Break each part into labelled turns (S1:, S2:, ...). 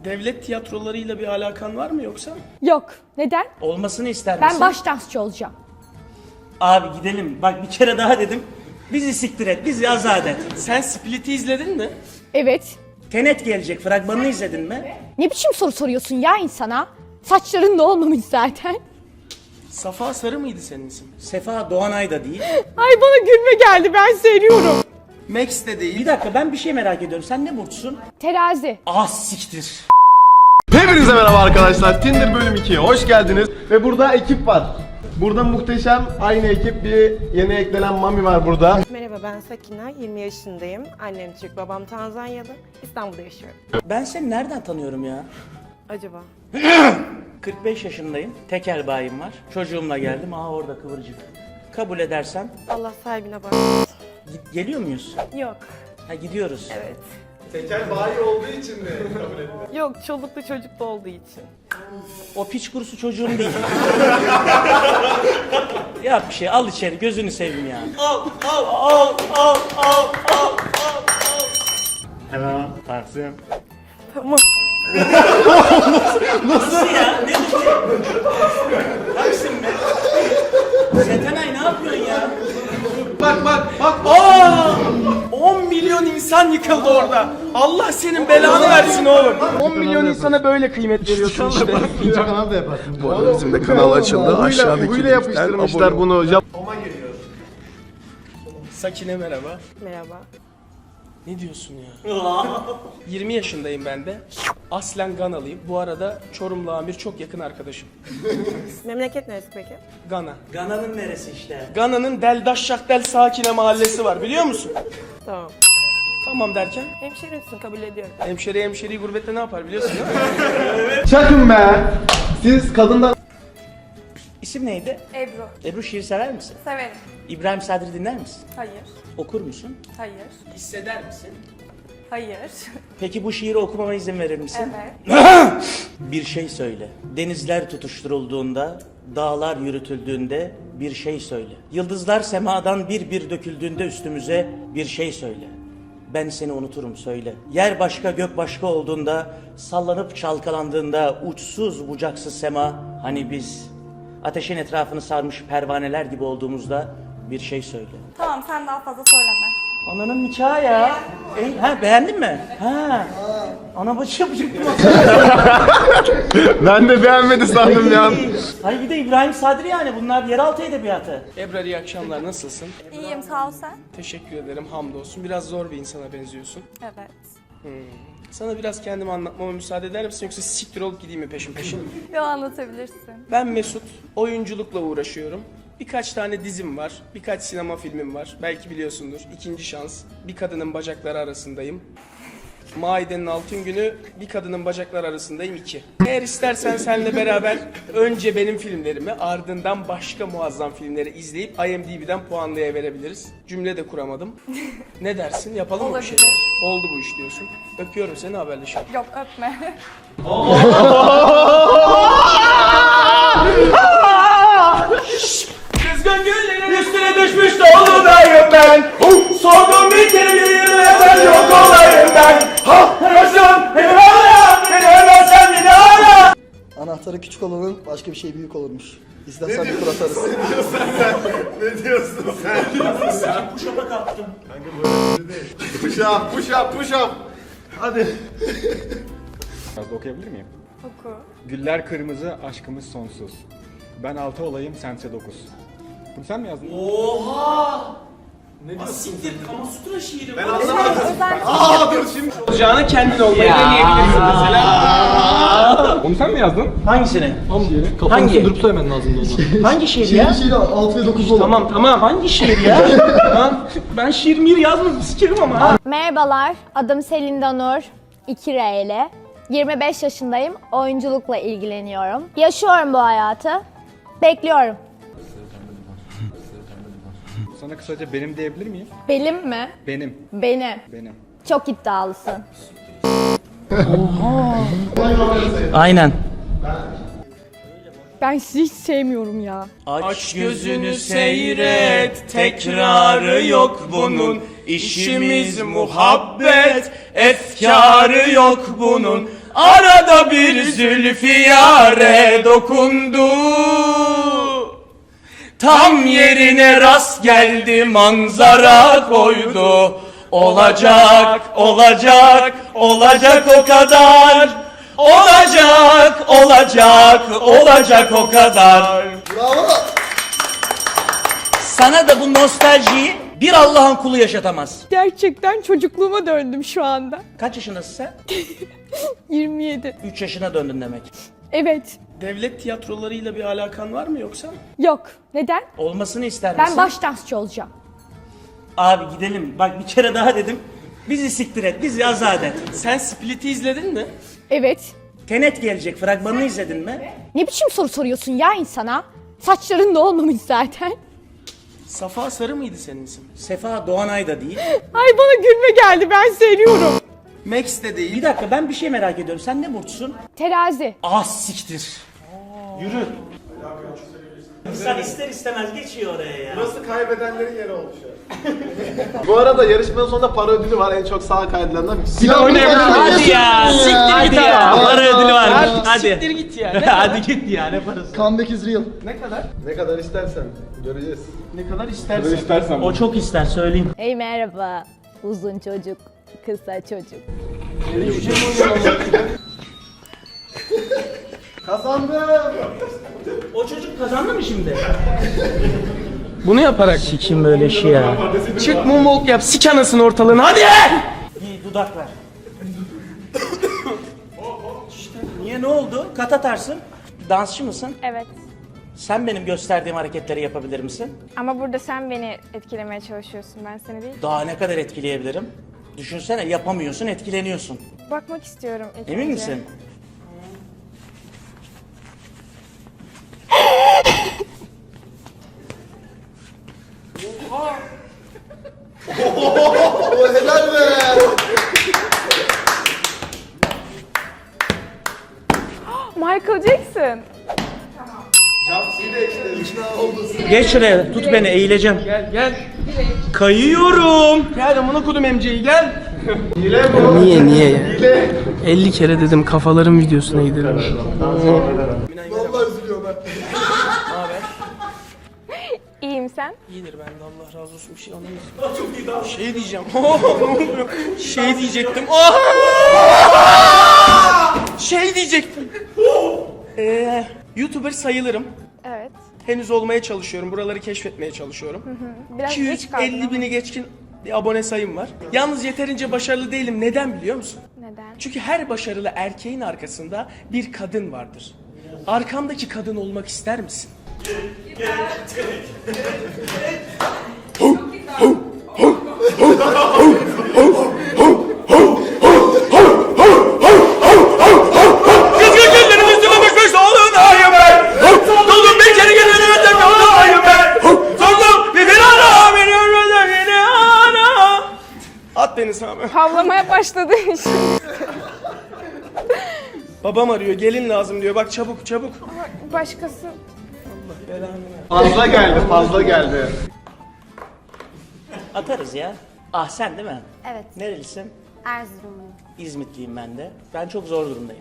S1: Devlet tiyatrolarıyla bir alakan var mı yoksa?
S2: Yok. Neden?
S1: Olmasını ister misin?
S2: Ben baş dansçı olacağım.
S1: Abi gidelim. Bak bir kere daha dedim. Bizi siktir et, bizi azat et. Sen Split'i izledin mi?
S2: Evet.
S1: Tenet gelecek, fragmanını izledin mi?
S2: Ne biçim soru soruyorsun ya insana? Saçların da olmamış zaten.
S1: Safa Sarı mıydı senin isim? Sefa Doğanay da değil.
S2: Ay bana gülme geldi, ben seviyorum.
S1: Max de değil. Bir dakika, ben bir şey merak ediyorum. Sen ne burçsun?
S2: Terazi.
S1: Siktir.
S3: Hepinize merhaba arkadaşlar. Tinder bölüm 2'ye hoş geldiniz. Ve burada ekip var. Burada muhteşem aynı ekip, bir yeni eklenen Mami var burada.
S4: Merhaba, ben Sakina, 20 yaşındayım. Annem Türk, babam Tanzanyalı. İstanbul'da yaşıyorum.
S1: Ben seni nereden tanıyorum ya?
S4: Acaba?
S1: 45 yaşındayım. Tekel bayim var. Çocuğumla geldim. Orada kıvırcık. Kabul edersen
S4: Allah sahibine bak.
S1: geliyor muyuz?
S4: Yok.
S1: Gidiyoruz.
S4: Evet.
S3: Tekel bayi olduğu için mi kabul etmiyor?
S4: Yok, çoluklu çocuklu olduğu için.
S1: O piç kurusu çocuğun değil. Yap bir şey, al içeri, gözünü seveyim ya. Al.
S3: Hemen Taksim.
S4: Tamam.
S1: Nasıl ya? Ne dedi? Taksim be. Setenay ne yapıyorsun ya?
S3: Bak.
S1: 10 milyon insan yıkıldı orada. Allah senin belanı versin oğlum. 10 milyon insana böyle kıymet veriyorsun işte.
S3: İkinci kanal da yaparsın.
S5: Bu arada bizim de kanal açıldı. Aşağıdaki
S3: Huyla yapıştırmışlar bunu.
S1: Sakine merhaba.
S4: Merhaba.
S1: Ne diyorsun ya? 20 yaşındayım ben de. Aslen Ganalıyım. Bu arada Çorumlu Amir çok yakın arkadaşım.
S4: Memleket neresi peki?
S1: Gana. Gana'nın neresi işte? Gana'nın Deldaşşakdel Sakine mahallesi var, biliyor musun?
S4: Tamam.
S1: Tamam derken?
S4: Hemşerimsin, kabul ediyorum.
S1: Hemşeriyi gurbette ne yapar biliyorsun değil mi?
S3: Çakın be. Siz kadından...
S1: İsim neydi?
S6: Ebru.
S1: Ebru, şiir sever misin?
S6: Severim.
S1: İbrahim Sadri dinler misin?
S6: Hayır.
S1: Okur musun?
S6: Hayır.
S1: Hisseder misin?
S6: Hayır.
S1: Peki bu şiiri okumama izin verir misin?
S6: Evet.
S1: Bir şey söyle. Denizler tutuşturulduğunda, dağlar yürütüldüğünde bir şey söyle. Yıldızlar semadan bir bir döküldüğünde üstümüze bir şey söyle. Ben seni unuturum söyle. Yer başka gök başka olduğunda, sallanıp çalkalandığında uçsuz bucaksız sema, hani biz ateşin etrafını sarmış pervaneler gibi olduğumuzda bir şey söyle.
S6: Tamam, sen daha fazla söyleme.
S1: Ananın nikahı ya. Beğendin mi? Ana bacı yapacak.
S3: Ben de beğenmedi sandım ya.
S1: Hayır, bir de İbrahim Sadri, yani bunlar yeraltı edebiyatı. Ebrar, iyi akşamlar, nasılsın?
S6: İyiyim, sağ ol sen.
S1: Teşekkür ederim, hamdolsun. Biraz zor bir insana benziyorsun.
S6: Evet.
S1: Sana biraz kendimi anlatmama müsaade eder misin, yoksa siktir olup gideyim mi peşin peşin?
S6: Yo, anlatabilirsin.
S1: Ben Mesut, oyunculukla uğraşıyorum. Birkaç tane dizim var, birkaç sinema filmim var. Belki biliyorsundur. İkinci Şans, Bir Kadının Bacakları Arasındayım. Maidenin Altın Günü, Bir Kadının Bacakları Arasındayım 2. Eğer istersen seninle beraber önce benim filmlerimi, ardından başka muazzam filmleri izleyip IMDb'den puanlayabiliriz. Cümle de kuramadım. Ne dersin? Yapalım mı bir şey?
S6: Olabilir.
S1: Oldu bu iş diyorsun. Öpüyorum seni, haberleşelim.
S6: Yok, öpme.
S1: Kızgın güllerin üstüne düşmüş dolunayım ben. Sordum bir kere ve sen yok olayım ben. Yaşım beni hala, beni ölmezsen beni hala.
S5: Anahtarı küçük olanın başka bir şey büyük olurmuş. İstersen bir tur atarız.
S3: Ne diyorsun sen?
S1: Kuşama kalktım.
S3: Push up. Hadi.
S7: Biraz da okuyabilir miyim?
S6: Oku.
S7: Güller kırmızı, aşkımız sonsuz. Ben 6 olayım, sense 9. Bunu sen mi yazdın?
S1: Oha! Asiktir, Kamasutra şiiri. Ben
S3: Dur şimdi.
S1: olacağını kendin olmayı deneyebilirsin mesela.
S7: Onu sen mi yazdın?
S1: Hangisini?
S5: Kafanı durup söylemen lazımdı onu.
S1: Hangi şiir ya?
S5: Şiiri 6 ve 9 olur.
S1: Tamam. Hangi şiir ya? Lan, ben şiir mir yazmadım, sikerim ama ha.
S2: Merhabalar, adım Selinda Nur, 2R ile. 25 yaşındayım, oyunculukla ilgileniyorum. Yaşıyorum bu hayatı, bekliyorum.
S7: Sana kısaca benim diyebilir miyim?
S2: Benim mi?
S7: Benim.
S2: Benim. Çok iddialısın.
S1: Aynen.
S2: Ben sizi hiç sevmiyorum ya.
S1: Aç gözünü seyret, tekrarı yok bunun. İşimiz muhabbet, efkarı yok bunun. Arada bir zülfiyare dokundu. Tam yerine rast geldi, manzara koydu. Olacak, olacak, olacak o kadar. Olacak, olacak, olacak o kadar.
S5: Bravo.
S8: Sana da bu nostaljiyi bir Allah'ın kulu yaşatamaz.
S4: Gerçekten çocukluğuma döndüm şu anda.
S8: Kaç yaşındasın sen?
S4: 27.
S8: 3 yaşına döndün demek.
S4: Evet.
S1: Devlet tiyatrolarıyla bir alakan var mı yoksa?
S4: Yok. Neden?
S8: Olmasını ister misin?
S2: Ben baş dansçı olacağım.
S8: Abi gidelim. Bak bir kere daha dedim. Bizi siktir et, bizi azat et.
S1: Sen Split'i izledin mi?
S4: Evet.
S8: Tenet gelecek, fragmanını izledin mi?
S2: Ne biçim soru soruyorsun ya insana? Saçların da olmamış zaten.
S1: Safa Sarı mıydı senin isim?
S8: Sefa Doğanay da değil.
S4: Ay bana gülme geldi, ben söylüyorum.
S1: Max de değil.
S8: Bir dakika, ben bir şey merak ediyorum. Sen ne burçsun?
S2: Terazi.
S8: Siktir. Yürü. İnsan ister istemez geçiyor oraya ya.
S3: Burası kaybedenlerin yeri olmuş ya. Bu arada yarışmanın sonunda para ödülü var. En çok sağ kaydıranlar. Silah oynayabilir.
S8: Hadi ya. Siktir git ya. Para ödülü varmış. Hadi.
S1: Siktir git ya.
S8: Hadi git ya, ne parası?
S5: Comeback is real.
S1: Ne kadar?
S3: Ne kadar istersen göreceğiz.
S1: Ne kadar istersen.
S8: O çok ister, söyleyeyim.
S2: Hey merhaba. Uzun çocuk, kısa çocuk.
S3: Kazandım.
S8: O çocuk kazandı mı şimdi?
S1: Bunu yaparak
S8: Kim böyle şey ya?
S1: çık moonwalk yap, sik anasını ortalığına hadi!
S8: İyi, dudak ver. İşte, niye, ne oldu? Kat atarsın. Dansçı mısın?
S9: Evet.
S8: Sen benim gösterdiğim hareketleri yapabilir misin?
S9: Ama burada sen beni etkilemeye çalışıyorsun. Ben seni değil.
S8: Daha ne kadar etkileyebilirim? Düşünsene, yapamıyorsun, etkileniyorsun.
S9: Bakmak istiyorum ilk
S8: Emin
S9: önce.
S8: misin?
S5: O helal be.
S9: Michael Jackson.
S8: Geç şuraya, tut beni, eğileceğim.
S1: Gel.
S8: Kayıyorum.
S1: Gel amına kodum MC'yi gel.
S3: Hile bu.
S1: Niye ya?
S3: Hile.
S1: 50 kere dedim kafaların videosuna gidelim.
S5: Vallahi üzülüyorum ben.
S9: İyiyim sen.
S1: İyidir ben de Allah razı olsun bir şey anlamadım. Şey diyeceğim. Şey diyecektim. Şey diyecektim. YouTuber sayılırım.
S9: Evet.
S1: Henüz olmaya çalışıyorum. Buraları keşfetmeye çalışıyorum.
S9: Biraz geç kaldın
S1: 250
S9: ama.
S1: bini geçkin bir abone sayım var. Yalnız yeterince başarılı değilim. Neden biliyor musun?
S9: Neden?
S1: Çünkü her başarılı erkeğin arkasında bir kadın vardır. Arkamdaki kadın olmak ister misin? Kızgın günlerim üstüme bakmış olunayım ben. Doldum bir kere gönlümden yolunayım ben. Sordum bir ara beni ölmeden beni ara. At beni Sami.
S9: Havlamaya başladı şimdi.
S1: Babam arıyor gelin lazım diyor bak çabuk.
S9: Başkası.
S3: Fazla geldi.
S8: Atarız ya. Ah, sen değil mi?
S2: Evet.
S8: Nerelisin?
S2: Erzurumluyum.
S8: İzmitliyim ben de. Ben çok zor durumdayım.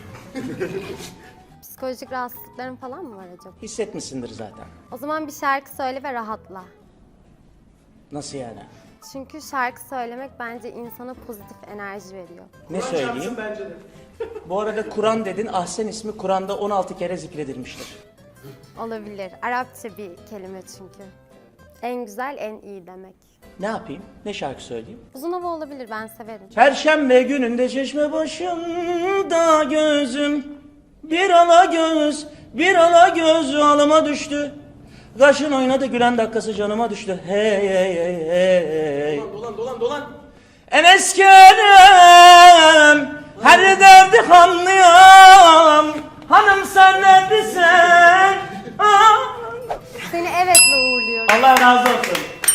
S2: Psikolojik rahatsızlıkların falan mı var acaba?
S8: Hissetmişsindir zaten.
S2: O zaman bir şarkı söyle ve rahatla.
S8: Nasıl yani?
S2: Çünkü şarkı söylemek bence insana pozitif enerji veriyor.
S8: Ne söyleyeyim? Bu arada Kur'an dedin. Ahsen ismi Kur'an'da 16 kere zikredilmiştir.
S2: Olabilir. Arapça bir kelime çünkü. En güzel, en iyi demek.
S8: Ne yapayım? Ne şarkı söyleyeyim?
S2: Uzun hava olabilir, ben severim.
S8: Perşembe gününde çeşme başında gözüm bir ala göz alıma düştü. Kaşın oynadı gülen dakikası canıma düştü. Hey hey hey hey.
S1: Dolan.
S8: Enes Kerem her derdi anlıyorum. Hanım sen neredesin?
S2: Seni evetle uğurluyorum.
S8: Allah razı olsun.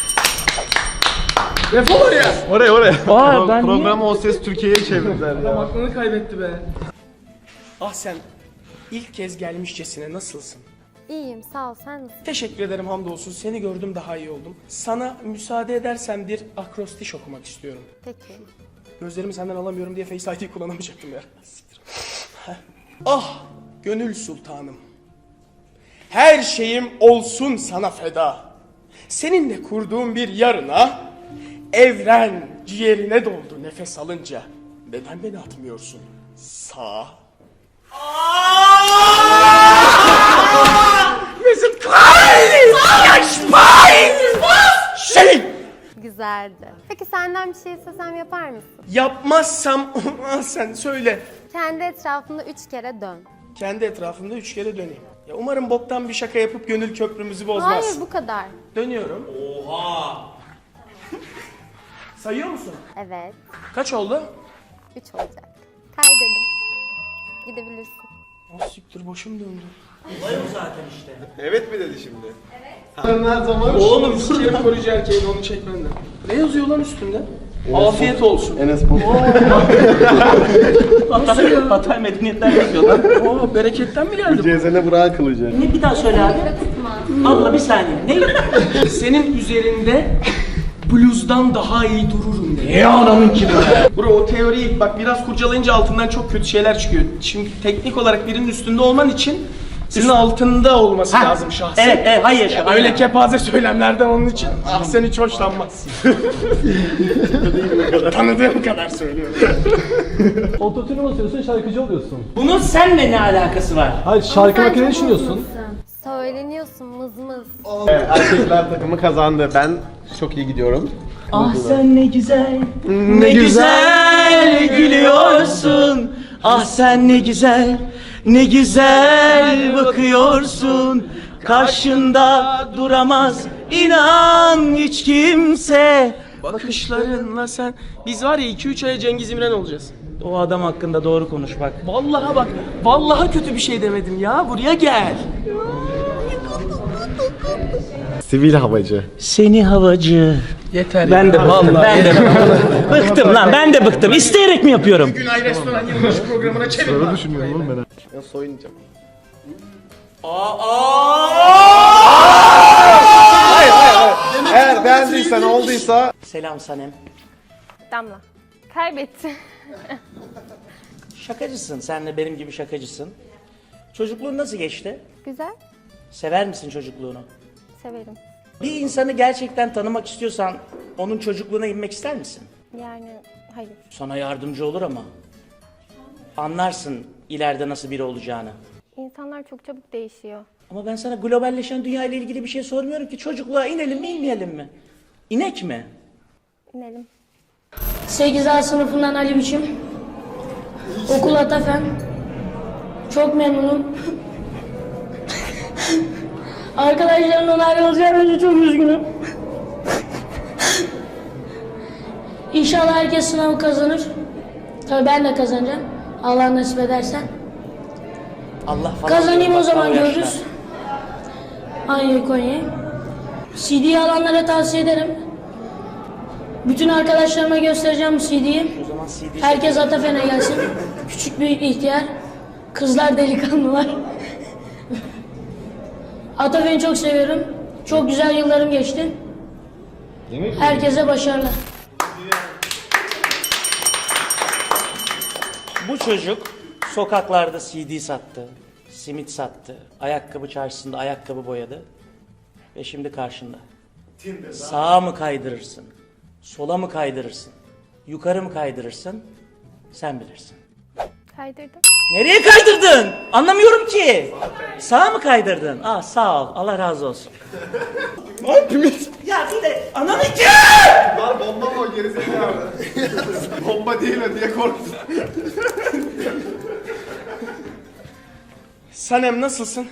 S1: Defol oraya.
S3: Oraya.
S8: Ben
S3: Programı O Ses Türkiye'ye çevirdiler ya.
S1: Aklını kaybetti be. Ah sen ilk kez gelmişçesine nasılsın?
S2: İyiyim, sağ ol. Sen nasılsın?
S1: Teşekkür ederim hamdolsun. Seni gördüm daha iyi oldum. Sana müsaade edersen bir akrostiş okumak istiyorum.
S2: Peki.
S1: Gözlerimi senden alamıyorum diye Face ID kullanamayacaktım ya. Siktir. Ah gönül sultanım. Her şeyim olsun sana feda. Seninle kurduğum bir yarına, evren ciğerine doldu nefes alınca. Neden beni atmıyorsun? Sağa. Mesut Şey!
S10: Güzeldi. Peki senden bir şey istesem yapar mısın?
S1: Yapmazsam sen söyle.
S10: Kendi etrafında 3 kere dön.
S1: Kendi etrafımda 3 kere döneyim. Ya umarım boktan bir şaka yapıp gönül köprümüzü bozmaz.
S10: Hayır bu kadar.
S1: Dönüyorum. Oha! Sayıyor musun?
S10: Evet.
S1: Kaç oldu?
S10: 3 olacak. Kaydedin. Gidebilirsin.
S1: Ah siktir başım döndü.
S8: Olay o zaten işte.
S3: Evet mi dedi şimdi? Evet. Her zaman
S1: Oğlum sikerim koruyucu erkeğin onu çek benden. Ne yazıyor lan üstünde? Afiyet olsun.
S3: Enes Batur.
S8: Hatay medeniyetten yazıyor lan.
S1: Oo bereketten mi geldi?
S3: Cezene bırak kılıcı.
S8: Ne bir daha söyle abi. Abla bir saniye. Ne?
S1: Senin üzerinde bluzdan daha iyi dururum diye. Ne anamın ki bu? Bro o teoriyi bak biraz kurcalayınca altından çok kötü şeyler çıkıyor. Şimdi teknik olarak birinin üstünde olman için senin altında olması lazım şahsen.
S8: Evet, hayır.
S1: Ya öyle kepaze söylemlerden onun için sen hiç hoşlanmazsın. Tanıdığım kadar söylüyorum.
S11: Ototune basıyorsun, şarkıcı oluyorsun.
S8: Bunun seninle ne alakası var?
S11: Hayır, şarkı hakkında ne düşünüyorsun?
S10: Söyleniyorsun mız mız.
S3: Evet, erkekler takımı kazandı. Ben çok iyi gidiyorum.
S8: Ah sen ne güzel, ne güzel gülüyorsun. Ah sen ne güzel, ne güzel bakıyorsun. Karşında duramaz inan hiç kimse.
S1: Bakışlarınla sen... Biz var ya 2-3 aya Cengiz İmren olacağız.
S8: O adam hakkında doğru konuş bak.
S1: Vallahi bak, vallahi kötü bir şey demedim ya. Buraya gel.
S3: Sivil havacı.
S8: Seni havacı.
S1: Yeter
S8: Ben
S1: ya.
S8: de bıktım, ben de bıktım lan, ben de bıktım. İsteyerek mi yapıyorum?
S1: Günay Restoran yılbaşı programına çevir lan.
S3: Düşünüyorum oğlum ben. Ya soyunacağım. Hayır. Eğer beğendiysen olduysa
S8: Selam Sanem.
S9: Damla. Kaybetti.
S8: Şakacısın, sen de benim gibi şakacısın. Çocukluğun nasıl geçti?
S10: Güzel.
S8: Sever misin çocukluğunu?
S10: Severim.
S8: Bir insanı gerçekten tanımak istiyorsan onun çocukluğuna inmek ister misin?
S10: Yani hayır.
S8: Sana yardımcı olur ama. Anlarsın ileride nasıl biri olacağını.
S10: İnsanlar çok çabuk değişiyor.
S8: Ama ben sana globalleşen dünya ile ilgili bir şey sormuyorum ki. Çocukluğa inelim mi inmeyelim mi? İnek mi?
S10: İnelim.
S12: 8A sınıfından Ali Biçim. Okul Atafen. Çok memnunum. Arkadaşlarımdan ayrılacağım için çok üzgünüm. İnşallah herkes sınavı kazanır. Tabii ben de kazanacağım. Allah nasip ederse.
S8: Allah falan.
S12: Kazanayım
S8: diyor,
S12: o zaman
S8: bak, o yaşta.
S12: görürüz. Aynı Konya'yı. CD'yi alanlara tavsiye ederim. Bütün arkadaşlarıma göstereceğim bu CD'yi.
S8: O zaman CD
S12: Herkes Atafen'e gelsin. Küçük büyük ihtiyar. Kızlar delikanlılar. Atafen'i çok seviyorum. Çok güzel yıllarım geçti. Herkese başarılar.
S8: Bu çocuk sokaklarda CD sattı, simit sattı, ayakkabı çarşısında ayakkabı boyadı ve şimdi karşında. Sağa mı kaydırırsın, sola mı kaydırırsın, yukarı mı kaydırırsın, sen bilirsin.
S9: Kaydırdım.
S8: Nereye kaydırdın? Anlamıyorum ki. Sağa mı kaydırdın? Ah sağ ol, Allah razı olsun. Ya bir de ananı ki!
S3: Lan bomba mı o gerizekalı? Bomba değil o diye korktum.
S1: Sanem nasılsın?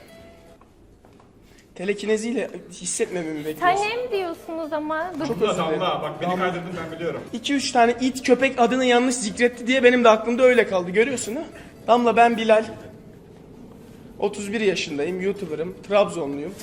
S1: Telekineziyle hissetmememi
S9: Sen
S1: bekliyorsun.
S9: hem diyorsunuz ama dur.
S1: Çok özür dilerim.
S7: Bak beni kaydırdın ben biliyorum.
S1: 2-3 tane it köpek adını yanlış zikretti diye benim de aklımda öyle kaldı. Görüyorsun ha? Damla ben Bilal. 31 yaşındayım, YouTuber'ım, Trabzonluyum.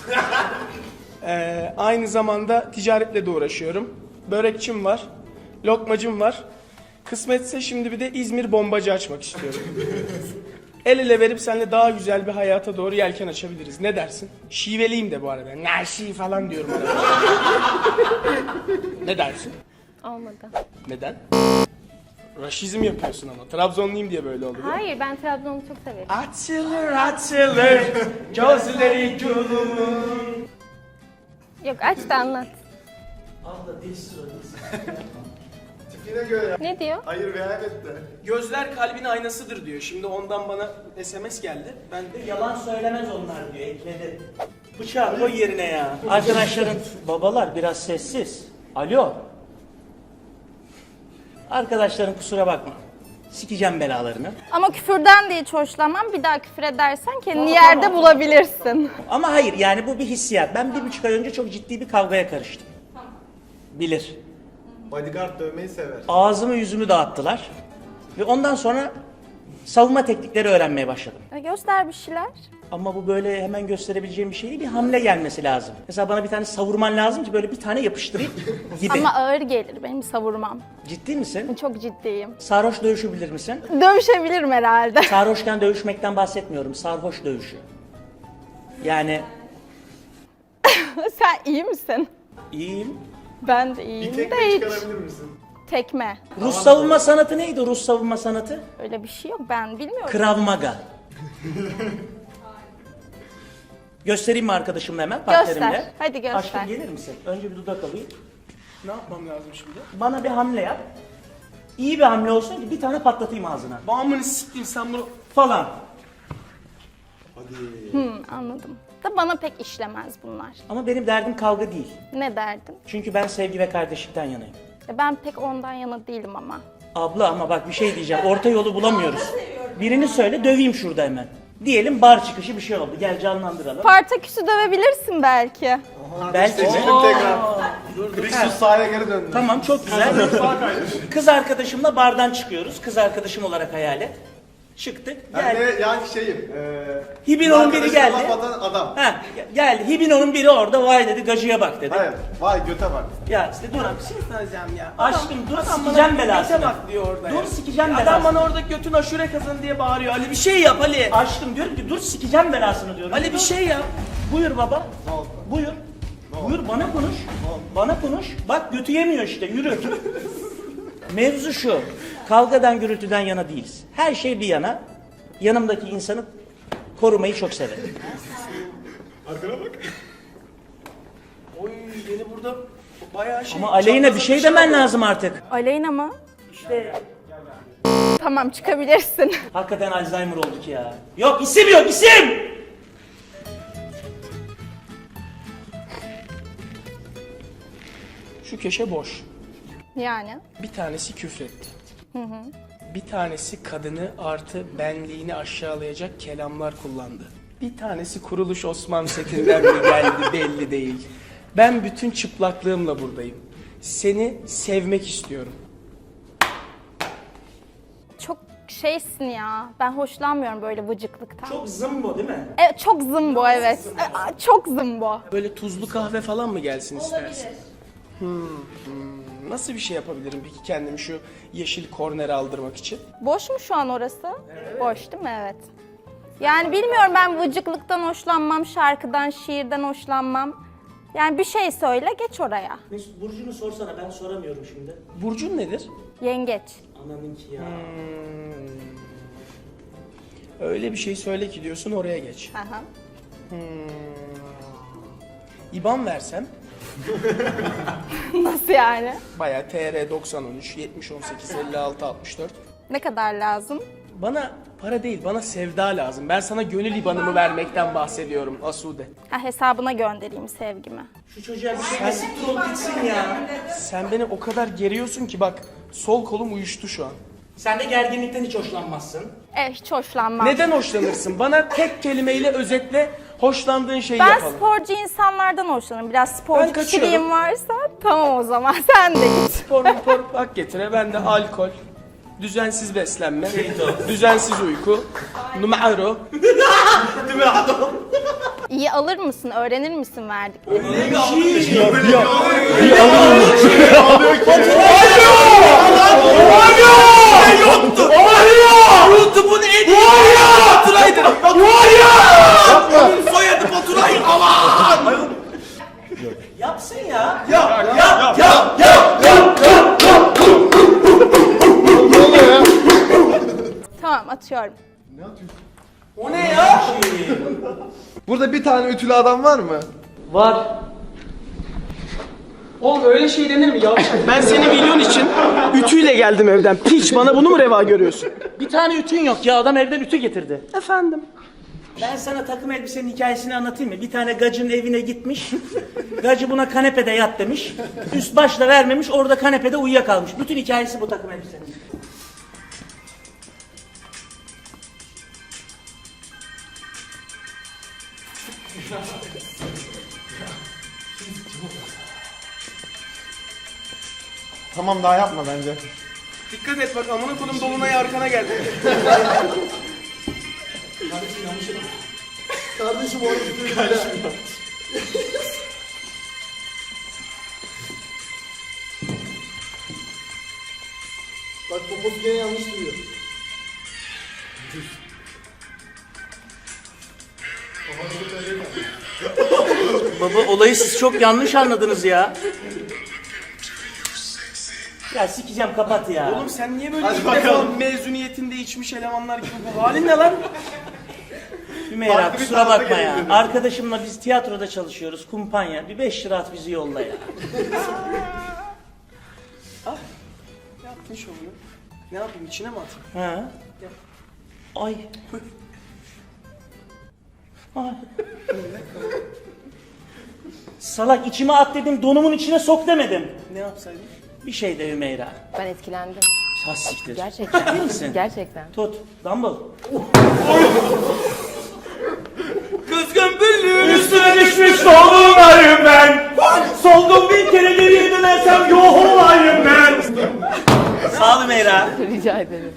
S1: Aynı zamanda ticaretle de uğraşıyorum. Börekçim var, lokmacım var. Kısmetse şimdi bir de İzmir bombacı açmak istiyorum. El ele verip seninle daha güzel bir hayata doğru yelken açabiliriz. Ne dersin? Şiveliyim de bu arada. Naşi falan diyorum arada. Ne dersin?
S9: Olmadı.
S1: Neden? Raşizm yapıyorsun ama. Trabzonluyum diye böyle oldu.
S10: Hayır, ben Trabzon'u çok severim.
S1: Açılır gözleri gülümün.
S10: Yok, aç da anlat.
S8: Abla dilsiz o dilsiz.
S3: Tipine göre.
S10: Ne diyor?
S3: Hayır veya evet de.
S1: Gözler kalbin aynasıdır diyor. Şimdi ondan bana SMS geldi. Ben de
S8: Yalan söylemez onlar diyor, ekledi. Bıçağı koy yerine ya. Arkadaşların, babalar biraz sessiz. Alo. Arkadaşların kusura bakma. Sikeceğim belalarını.
S6: Ama küfürden de hiç hoşlanmam. Bir daha küfür edersen kendini yerde bulabilirsin.
S8: Ama hayır, yani bu bir hissiyat. Ben 1,5 ay önce çok ciddi bir kavgaya karıştım. Bilir.
S3: Bodyguard dövmeyi sever.
S8: Ağzımı yüzümü dağıttılar. Ve ondan sonra savunma teknikleri öğrenmeye başladım.
S6: Göster bir şeyler.
S8: Ama bu böyle hemen gösterebileceğim bir şey değil. Bir hamle gelmesi lazım. Mesela bana bir tane savurman lazım ki böyle bir tane yapıştırayım gibi.
S6: Ama ağır gelir benim savurmam.
S8: Ciddi misin?
S6: Çok ciddiyim.
S8: Sarhoş dövüşü bilir misin?
S6: Dövüşebilirim herhalde.
S8: Sarhoşken dövüşmekten bahsetmiyorum. Sarhoş dövüşü. Yani
S6: Sen iyi misin?
S8: iyiyim.
S6: Ben de
S3: Bir
S6: iyiyim
S3: tekme
S6: de hiç.
S3: çıkarabilir misin?
S6: Tekme.
S8: Rus savunma sanatı neydi? Rus savunma sanatı?
S6: Öyle bir şey yok, ben bilmiyorum.
S8: Krav Maga. Göstereyim mi arkadaşımla hemen?
S6: Göster.
S8: Partnerimle?
S6: Hadi göster.
S8: Aşkım gelir misin? Önce bir dudak alayım.
S1: ne yapmam lazım şimdi?
S8: Bana bir hamle yap. İyi bir hamle olsun ki bir tane patlatayım ağzına.
S1: Bağımını siktim sen bunu.
S8: Falan.
S6: Anladım. Da bana pek işlemez bunlar.
S8: Ama benim derdim kavga değil.
S6: Ne derdin?
S8: Çünkü ben sevgi ve kardeşlikten yanayım.
S6: Ben pek ondan yana değilim ama.
S8: Abla ama bak bir şey diyeceğim. Orta yolu bulamıyoruz. Birini söyle döveyim şurada hemen. Diyelim bar çıkışı bir şey oldu. Gel canlandıralım.
S6: Spartaküs'ü dövebilirsin belki.
S8: Belki.
S3: Seçelim tekrar. Kristus sahaya geri döndü.
S8: Tamam çok güzel. Kız arkadaşımla bardan çıkıyoruz. Kız arkadaşım olarak hayal et. Çıktık.
S3: Ben
S8: Gel.
S3: de yani şeyim.
S8: Hibino'nun biri geldi.
S3: Laf atan adam.
S8: Ha, geldi. Hibino'nun biri orada vay dedi gacıya bak dedi.
S3: Hayır. Vay göte bak.
S8: Ya işte dur.
S1: Bir şey söyleyeceğim ya.
S8: Aşkım dur
S1: Adam
S8: sikeceğim
S1: bana
S8: belasını.
S1: göte bak diyor orada
S8: Dur
S1: ya.
S8: sikeceğim
S1: Adam
S8: belasını.
S1: bana orada götün aşure kazan diye bağırıyor. Ali bir şey yap Ali.
S8: Aşkım diyorum ki dur sikeceğim belasını diyorum.
S1: Ali bir şey yap.
S8: Buyur baba. Buyur. Buyur bana konuş. Bana konuş. Bak götü yemiyor işte yürü. Mevzu şu. Kavgadan gürültüden yana değiliz. Her şey bir yana. Yanımdaki insanı korumayı çok severim.
S3: Arkana bak.
S1: Oy beni burada bayağı şey...
S8: Ama aleyhine bir şey demen lazım artık.
S6: Aleyna mı?
S8: İşte
S6: Tamam, çıkabilirsin.
S8: hakikaten Alzheimer olduk ya. Yok isim yok isim!
S1: Şu köşe boş.
S6: Yani.
S1: Bir tanesi küfretti. Bir tanesi kadını artı benliğini aşağılayacak kelamlar kullandı. Bir tanesi kuruluş Osman setinden mi geldi belli değil. Ben bütün çıplaklığımla buradayım. Seni sevmek istiyorum.
S6: Çok şeysin ya. Ben hoşlanmıyorum böyle vıcıklıktan.
S8: Çok zımbo değil mi?
S6: Evet, çok zımbo evet. Çok zımbo.
S1: Böyle tuzlu kahve falan mı gelsin istersin? Nasıl bir şey yapabilirim peki kendimi şu yeşil kornere aldırmak için?
S6: Boş mu şu an orası? Boş değil mi? Evet. Yani bilmiyorum, ben vıcıklıktan hoşlanmam, şarkıdan, şiirden hoşlanmam. Yani bir şey söyle, geç oraya.
S8: Mesut Burcu'nu sorsana ben soramıyorum şimdi.
S1: Burcun nedir?
S6: Yengeç.
S8: Ananınki ya.
S1: Öyle bir şey söyle ki diyorsun oraya geç.
S6: Aha.
S1: İban versem
S6: Nasıl yani?
S1: bayağı TR 9013 70 18 56 64.
S6: Ne kadar lazım?
S1: Bana para değil, bana sevda lazım. Ben sana gönül ibanımı vermekten bahsediyorum Asude.
S6: Ha, hesabına göndereyim sevgimi.
S8: Şu çocuğa bir şey siktir ol gitsin ya.
S1: Sen beni o kadar geriyorsun ki bak sol kolum uyuştu şu an.
S8: Sen de gerginlikten hiç hoşlanmazsın.
S6: Hiç hoşlanmam.
S1: Neden hoşlanırsın? Bana tek kelimeyle özetle hoşlandığın şeyi
S6: Ben
S1: yapalım.
S6: sporcu insanlardan hoşlanırım. Biraz sporcu
S1: Ben kaçıyorum.
S6: kişiliğim varsa tamam o zaman sen de git.
S1: Spor bak getire. Ben de alkol, düzensiz beslenme, düzensiz uyku, numaro.
S6: İyi alır mısın? Öğrenir misin verdiklerini?
S1: YouTube'un en iyi Baturay'dır. Soyadı Baturay. Aman!
S8: Yapsın ya.
S3: Yap.
S6: Atıyorum.
S1: O ne ya?
S3: Burada bir tane ütülü adam var mı?
S8: Var.
S1: Oğlum öyle şey denir mi ya? Ben seni milyon için ütüyle geldim evden. Piç, bana bunu mu reva görüyorsun?
S8: Bir tane ütün yok ya, adam evden ütü getirdi.
S1: Efendim?
S8: Ben sana takım elbisenin hikayesini anlatayım mı? Bir tane gacının evine gitmiş. Gacı buna kanepede yat demiş. Üst başla vermemiş, orada kanepede uyuyakalmış. Bütün hikayesi bu takım elbisenin.
S3: Tamam, daha yapma bence.
S1: Dikkat et bak, amına kodum dolunay arkana geldi.
S5: Kardeşim orada tutuyor. Bak poposu gene yanlış duruyor.
S8: Baba, olayı siz çok yanlış anladınız ya. Ya sikeceğim, kapat ya.
S1: Oğlum sen niye böyle ilk defa mezuniyetinde içmiş elemanlar gibi bu halin ne lan?
S8: Hümeyra,
S3: Farklı bir
S8: kusura
S3: tarafa
S8: bakma ya.
S3: gelelim.
S8: Arkadaşımla biz tiyatroda çalışıyoruz, kumpanya. Bir 5 lira at bizi yolla ya.
S1: Yaptın şovunu. Ne yapayım, içine mi atayım?
S8: Ha? Ay. Ay. Salak, içime at dedim, donumun içine sok demedim.
S1: Ne yapsaydım?
S8: Bir şey de Hümeyra.
S10: Ben etkilendim.
S8: Ha siktir.
S10: Gerçekten.
S8: Ciddi misin?
S10: Gerçekten.
S8: Tut. Dumble.
S1: Kızgın büllüğün
S8: Üstüne düşmüş dolunayım ben. Soldum bir kere, geriye dönersem yok olayım ben. Sağ ol Hümeyra.
S10: Rica ederim.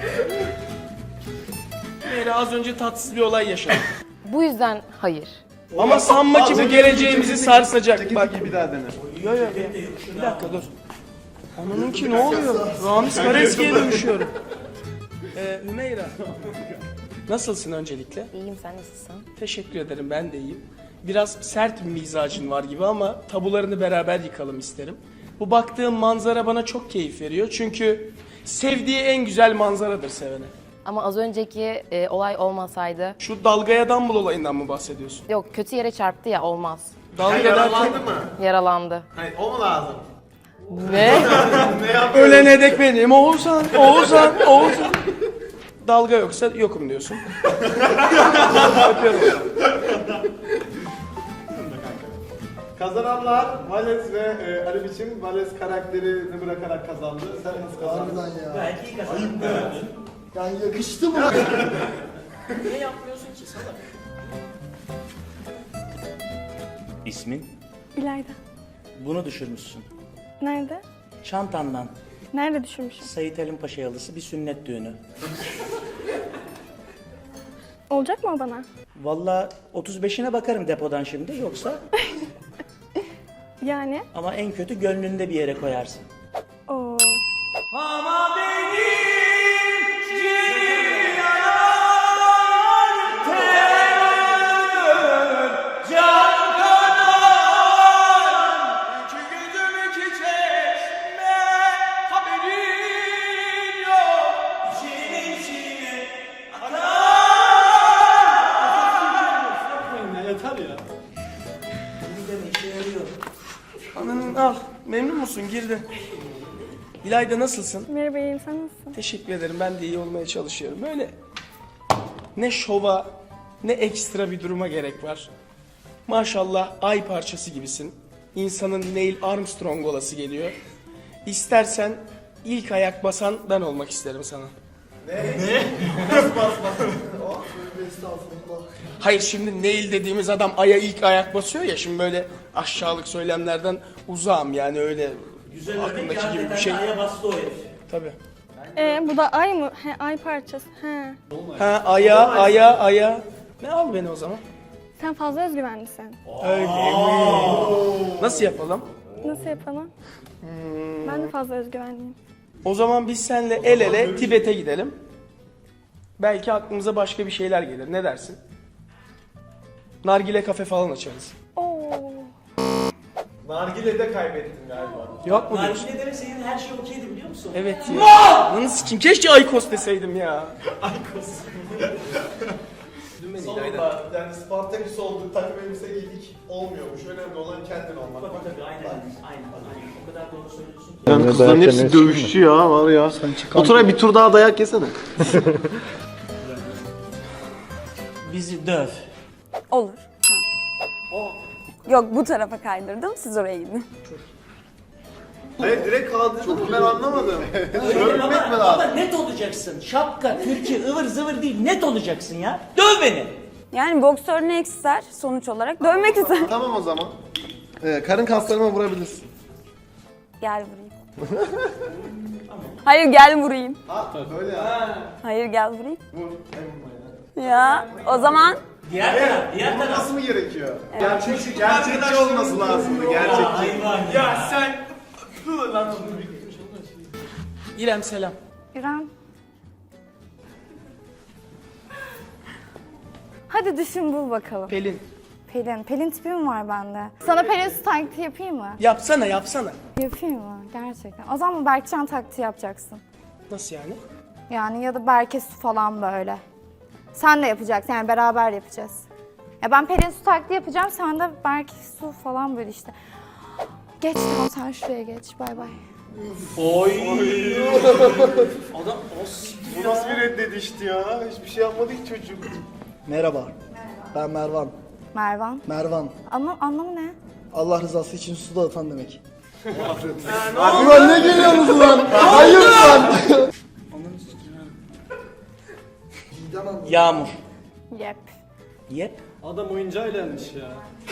S1: Meyra az önce tatsız bir olay yaşadı.
S10: Bu yüzden hayır.
S1: Ama sanma ki bu geleceğimizi sarsacak. Bak.
S3: Bir daha dene.
S1: Yo yo bir dakika dur. Ananınki ne oluyor? Ramiz Kareski'ye dönüşüyorum. Hümeyra. Nasılsın öncelikle?
S10: İyiyim, sen nasılsın?
S1: Teşekkür ederim, ben de iyiyim. Biraz sert bir mizacın var gibi ama tabularını beraber yıkalım isterim. Bu baktığım manzara bana çok keyif veriyor. Çünkü sevdiği en güzel manzaradır sevene.
S10: Ama az önceki olay olmasaydı...
S1: Şu dalgaya dumbbell olayından mı bahsediyorsun?
S10: Yok, kötü yere çarptı ya, olmaz.
S1: Dalga derken
S3: mı?
S10: Yaralandı.
S3: Hayır, o mu lazım?
S10: Ne?
S1: ölene dek benim Oğuzhan, Oğuzhan, Oğuzhan. Dalga yoksa yokum diyorsun. Öpüyorum.
S3: Kazananlar Vales ve Ali Biçim. Vales karakterini bırakarak kazandı. Sen nasıl kazandın?
S5: Harbiden ya.
S8: Belki iyi kazandın.
S5: Yani yakıştı mı?
S1: Niye yapmıyorsun ki salak?
S8: İsmin?
S9: İlayda.
S8: Bunu düşürmüşsün.
S9: Nerede?
S8: Çantandan.
S9: Nerede düşürmüşüm?
S8: Sayit Halim Paşa yalısı bir sünnet düğünü.
S9: Olacak mı o bana?
S8: Vallahi 35'ine bakarım depodan şimdi, yoksa
S9: Yani?
S8: ama en kötü gönlünde bir yere koyarsın.
S9: Oo.
S8: Ama benim
S1: Ananın al. Memnun musun? Girdi. İlayda nasılsın?
S9: Merhaba, iyiyim. Sen nasılsın?
S1: Teşekkür ederim. Ben de iyi olmaya çalışıyorum. Böyle ne şova ne ekstra bir duruma gerek var. Maşallah ay parçası gibisin. İnsanın Neil Armstrong olası geliyor. İstersen ilk ayak basan ben olmak isterim sana.
S5: Estağfurullah.
S1: Hayır, şimdi Neil dediğimiz adam aya ilk ayak basıyor ya, şimdi böyle aşağılık söylemlerden uzağım yani, öyle
S8: güzel
S1: aklımdaki gibi bir şey.
S8: Aya bastı o herif.
S1: Tabii.
S9: Bu da ay mı? He, ay parçası. He.
S1: Ha, aya. Ne, al beni o zaman.
S9: Sen fazla özgüvenlisin.
S1: Öyle mi? Nasıl yapalım?
S9: Nasıl yapalım? Ben de fazla özgüvenliyim.
S1: O zaman biz seninle el ele Tibet'e gidelim. Belki aklımıza başka bir şeyler gelir. Ne dersin? Nargile kafe falan açarız.
S9: Oo.
S3: Nargile'de kaybettin galiba.
S1: Yok mu? bir şey?
S8: Nargile demeseydin her şey okeydi biliyor musun?
S1: Evet ya. Lan sikim keşke Aykos deseydim ya.
S3: Sonunda yani Spartaküs olduk, takım elbise giydik. Olmuyormuş. Önemli olan kendin olmak.
S8: Tabii aynen. O kadar doğru söylüyorsun ki.
S3: Yani kızların hepsi dövüşçü ya var ya. Oturay bir tur daha dayak yesene.
S8: Bizi döv.
S6: Olur. Yok bu tarafa kaydırdım, siz oraya gidin.
S3: Hayır direkt kaldırdın mı ben anlamadım. Örmek mi
S8: Ama
S3: lazım?
S8: net olacaksın. Şapka, kürkü, ıvır zıvır değil. Net olacaksın ya. Döv beni.
S6: Yani boksör ne ister sonuç olarak? Dövmek ister.
S3: Tamam o zaman. Karın kaslarıma vurabilirsin.
S6: Gel vurayım. Hayır gel vurayım.
S3: Böyle ya.
S6: Hayır gel vurayım.
S3: Vur.
S6: Ya o zaman
S8: Diğer taraf.
S3: Vurması mı gerekiyor? Gerçekçi olması lazımdı. Gerçekçi.
S1: Ya sen... İrem selam.
S6: İrem. Hadi düşün bul bakalım.
S1: Pelin.
S6: Pelin tipi mi var bende? Sana Pelin su taklidi yapayım mı?
S1: Yapsana.
S6: Yapayım mı? Gerçekten. O zaman Berkcan taklidi yapacaksın.
S1: Nasıl yani?
S6: Yani ya da Berke su falan böyle. Sen de yapacaksın yani beraber yapacağız. Ya ben Pelin su taklidi yapacağım, sen de Berke su falan böyle işte. Geç tamam sen şuraya geç. Bay bay.
S8: Oy. Adam
S3: Bu nasıl bir reddedişti ya? Hiçbir şey yapmadı ki çocuk.
S5: Merhaba. Ben Mervan.
S6: Mervan.
S5: Mervan.
S6: Ama anlamı ne?
S5: Allah rızası için su dağıtan demek.
S3: Abi lan ne geliyorsunuz lan? Hayır lan.
S8: Yağmur.
S6: Yep.
S8: Yep.
S11: Adam oyuncağıyla gelmiş ya.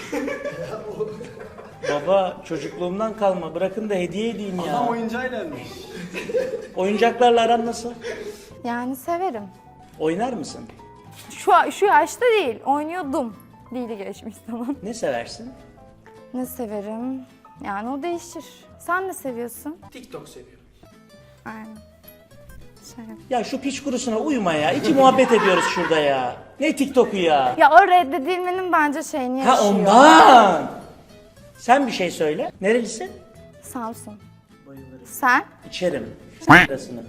S8: Baba çocukluğumdan kalma. Bırakın da hediye edeyim ya.
S11: Adam oyuncağıyla gelmiş.
S8: Oyuncaklarla aran nasıl?
S6: Yani severim.
S8: Oynar mısın?
S6: Şu yaşta değil, oynuyordum. Dili geçmiş zaman.
S8: Ne seversin?
S6: Ne severim? Yani o değişir. Sen ne seviyorsun?
S1: TikTok seviyorum.
S6: Aynen. Şey yap.
S8: Ya şu piç kurusuna uyma ya. İki muhabbet ediyoruz şurada ya. Ne TikTok'u ya?
S6: Ya o reddedilmenin bence şeyini
S8: Ha
S6: yaşıyor.
S8: ondan. Sen bir şey söyle. Nerelisin?
S6: Samsun. Sen?
S8: İçerim. Sırasını.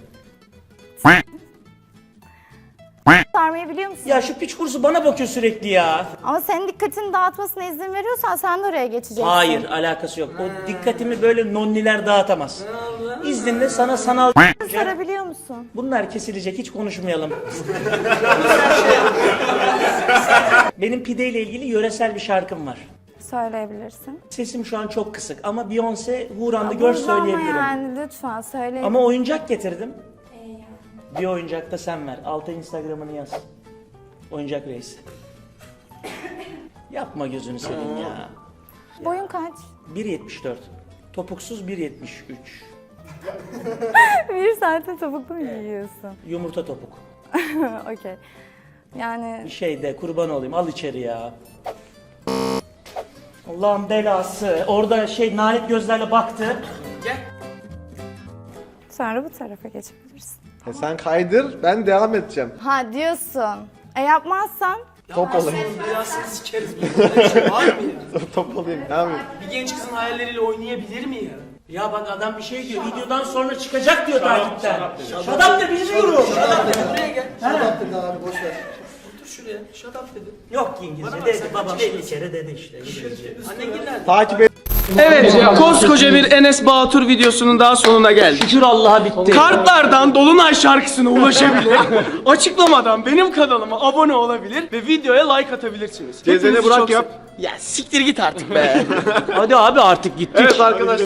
S6: Sarmayı biliyor musun?
S8: Ya şu piç kurusu bana bakıyor sürekli ya.
S6: Ama senin dikkatini dağıtmasına izin veriyorsan sen de oraya geçeceksin.
S8: Hayır alakası yok. O dikkatimi böyle nonniler dağıtamaz. İzninle sana sanal
S6: Sarabiliyor musun?
S8: bunlar kesilecek hiç konuşmayalım. Benim pideyle ilgili yöresel bir şarkım var.
S6: Söyleyebilirsin.
S8: Sesim şu an çok kısık ama Beyoncé Huran'da gör söyleyebilirim.
S6: Ama yani lütfen söyle.
S8: Ama oyuncak getirdim. Bir oyuncak da sen ver. Alta Instagram'ını yaz. Oyuncak reis. Yapma gözünü seveyim ya.
S6: Boyun kaç?
S8: 1.74. Topuksuz 1.73.
S6: Bir saatte topuklu mu giyiyorsun?
S8: Yumurta topuk.
S6: Okey. Yani
S8: Bir şey de kurban olayım al içeri ya. Allah'ın belası. Orada nalet gözlerle baktı.
S6: sonra bu tarafa geçebilirsin.
S3: Sen kaydır ben devam edeceğim.
S6: Ha diyorsun. Yapmazsan
S3: Top olayım.
S1: Belasını sikeriz. Böyle bir şey var mı ya?
S3: Top olayım devam et.
S1: Bir genç kızın hayalleriyle oynayabilir mi ya?
S8: Ya bak adam bir şey diyor. Videodan sonra çıkacak diyor takipten. Şadap da bilmiyorum.
S1: Buraya gel.
S5: Şurada dedi abi boş ver.
S1: Otur şuraya. Shut up dedi.
S8: Yok İngilizce
S1: Bana bak,
S8: dedi.
S1: sen
S8: Babam
S1: kaç
S8: 50 kere dedi işte.
S1: Annen nerede?
S3: Takip et.
S1: Evet, koskoca bir Enes Batur videosunun daha sonuna geldik.
S8: Şükür Allah'a bitti.
S1: Kartlardan Dolunay şarkısına ulaşabilir. Açıklamadan benim kanalıma abone olabilir ve videoya like atabilirsiniz.
S3: Cezene
S1: Hepinizi
S3: Burak
S1: çok
S3: yap.
S1: Ya siktir git artık be.
S8: Hadi abi artık gittik.
S3: Evet arkadaşlar.